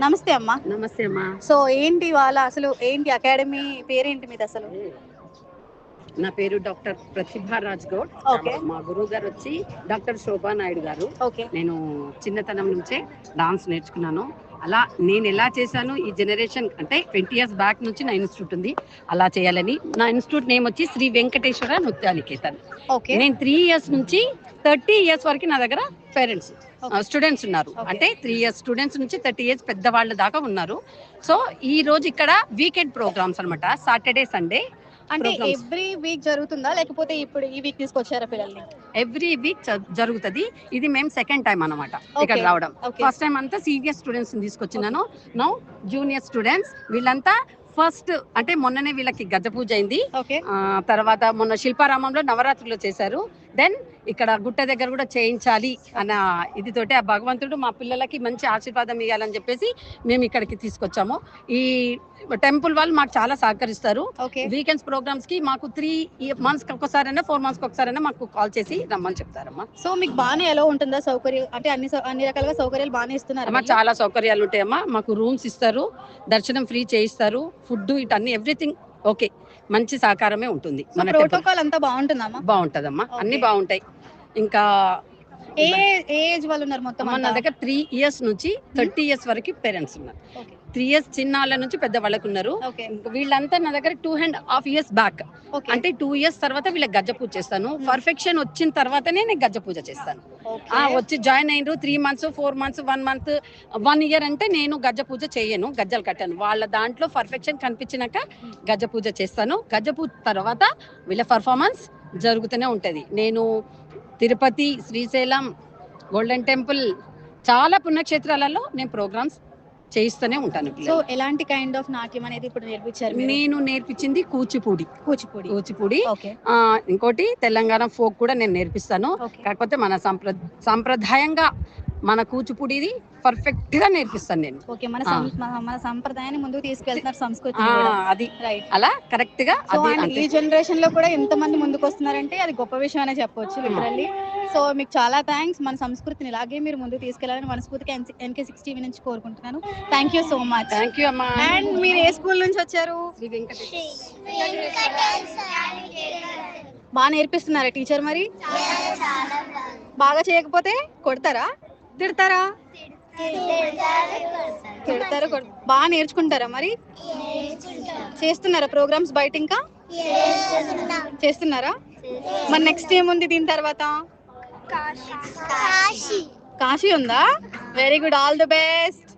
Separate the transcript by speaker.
Speaker 1: నమస్తే అమ్మా.
Speaker 2: నమస్తే అమ్మా.
Speaker 1: సో ఏంటి వాళ్ళ అసలు ఏంటి అకాడమీ పేరేంటి మీది అసలు?
Speaker 2: నా పేరు డాక్టర్ ప్రతిభా రాజ్ గౌడ్. మా గురువు గారు వచ్చి డాక్టర్ శోభా నాయుడు గారు. నేను చిన్నతనం నుంచే డాన్స్ నేర్చుకున్నాను. అలా నేను ఎలా చేశాను ఈ జనరేషన్ అంటే 20 years బ్యాక్ నుంచి నా ఇన్స్టిట్యూట్ ఉంది. అలా చేయాలని నా ఇన్స్టిట్యూట్ నేమ్ వచ్చి శ్రీ వెంకటేశ్వర నృత్యానికేతన్. నేను 3 years నుంచి 30 years వరకు నా దగ్గర పేరెంట్స్ స్టూడెంట్స్ ఉన్నారు. అంటే 3 years స్టూడెంట్స్ నుంచి 30 years పెద్దవాళ్ళ దాకా ఉన్నారు. సో ఈ రోజు ఇక్కడ వీకెండ్ ప్రోగ్రామ్స్ అనమాట. సాటర్డే సండే
Speaker 1: అంటే ఎవ్రీ వీక్ జరుగుతుందా లేకపోతే ఇప్పుడు ఈ వీక్ తీసుకొచ్చారా పిల్లల్ని?
Speaker 2: ఎవ్రీ వీక్ జరుగుతుంది. ఇది మేము సెకండ్ టైం అనమాట ఇక్కడ రావడం. ఫస్ట్ టైం అంతా సీనియర్ స్టూడెంట్స్ తీసుకొచ్చినాను. నౌ జూనియర్ స్టూడెంట్స్ వీళ్ళంతా ఫస్ట్ అంటే మొన్ననే వీళ్ళకి గజ పూజ అయింది. తర్వాత మొన్న శిల్పారామంలో నవరాత్రులు చేశారు. దెన్ ఇక్కడ గుట్ట దగ్గర కూడా చేయించాలి అన్న ఇదితోటి ఆ భగవంతుడు మా పిల్లలకి మంచి ఆశీర్వాదం ఇవ్వాలని చెప్పేసి మేము ఇక్కడికి తీసుకొచ్చాము. ఈ టెంపుల్ వాళ్ళు మాకు చాలా సహకరిస్తారు. వీకెండ్స్ ప్రోగ్రామ్స్ కి మాకు 3 months ఒకసారైనా 4 months ఒకసారైనా మాకు కాల్ చేసి రమ్మని చెప్తారమ్మా.
Speaker 1: సో మీకు బాగానే ఎలా ఉంటుందా సౌకర్యం? అంటే అన్ని రకాలుగా సౌకర్యాలు బాగానే ఇస్తున్నారు?
Speaker 2: చాలా సౌకర్యాలు ఉంటాయమ్మా. మాకు రూమ్స్ ఇస్తారు, దర్శనం ఫ్రీ చేయిస్తారు, ఫుడ్ ఇటన్నీ ఎవ్రీథింగ్ ఓకే, మంచి సహకారమే ఉంటుంది. మన
Speaker 1: ప్రోటోకాల్ అంతా బాగుంటుందమ్మా?
Speaker 2: బాగుంటదమ్మా, అన్ని బాగుంటాయి. ఇంకా
Speaker 1: ఏ ఏజ్ వాళ్ళు ఉన్నారు మొత్తం?
Speaker 2: మన దగ్గర 3 years నుంచి 30 years వరకు పేరెంట్స్ ఉన్నారు. 3 years చిన్న వాళ్ళ నుంచి పెద్ద వాళ్ళకు ఉన్నారు. వీళ్ళంతా నా దగ్గర 2.5 years బ్యాక్. అంటే 2 years తర్వాత వీళ్ళకి గజ్జ పూజ చేస్తాను. పర్ఫెక్షన్ వచ్చిన తర్వాతనే నేను గజ్జ పూజ చేస్తాను. వచ్చి జాయిన్ అయినరు 3 months 4 months 1 month 1 year అంటే నేను గజ్జ పూజ చేయను, గజ్జలు కట్టాను. వాళ్ళ దాంట్లో పర్ఫెక్షన్ కనిపించినాక గజ్జ పూజ చేస్తాను. గజ్జ పూజ తర్వాత వీళ్ళ పర్ఫార్మెన్స్ జరుగుతూనే ఉంటది. నేను తిరుపతి, శ్రీశైలం, గోల్డెన్ టెంపుల్ చాలా పుణ్యక్షేత్రాలలో నేను ప్రోగ్రామ్స్ చేయిస్తూనే ఉంటాను.
Speaker 1: సో ఎలాంటి కైండ్ ఆఫ్ నాట్యం అనేది ఇప్పుడు నేర్పించారు?
Speaker 2: నేను నేర్పించింది కూచిపూడి. ఇంకోటి తెలంగాణ ఫోక్ కూడా నేను నేర్పిస్తాను. కాకపోతే మన సాంప్రదాయంగా మన కూచిపూడిది పర్ఫెక్ట్ గా నేర్పిస్తాను నేను.
Speaker 1: మన సంప్రదాయాన్ని ముందుకు తీసుకెళ్తున్నారు, సంస్కృతి
Speaker 2: అది అలా కరెక్ట్ గా.
Speaker 1: ఈ జనరేషన్ లో కూడా ఎంత మంది ముందుకు వస్తున్నారంటే అది గొప్ప విషయం అనే చెప్పొచ్చు లిటరల్లీ. సో మీకు చాలా థ్యాంక్స్. మన సంస్కృతిని ఇలాగే మీరు ముందుకు తీసుకెళ్లాలని మనస్ఫూర్తిగా NK6 TV నుంచి కోరుకుంటున్నాను. Thank you so much.
Speaker 2: Thank you అమ్మా.
Speaker 1: అండ్ మీరు ఏ స్కూల్ నుంచి వచ్చారు? బాగా నేర్పిస్తున్నారా టీచర్? మరి బాగా చేయకపోతే కొడతారా, తిడతారా? తిడతారు. బాగా నేర్చుకుంటారా? మరి చేస్తున్నారా ప్రోగ్రామ్స్ బయట? ఇంకా చేస్తున్నారా? మరి నెక్స్ట్ ఏముంది దీని తర్వాత? కాశీ ఉందా? Very good, all the best.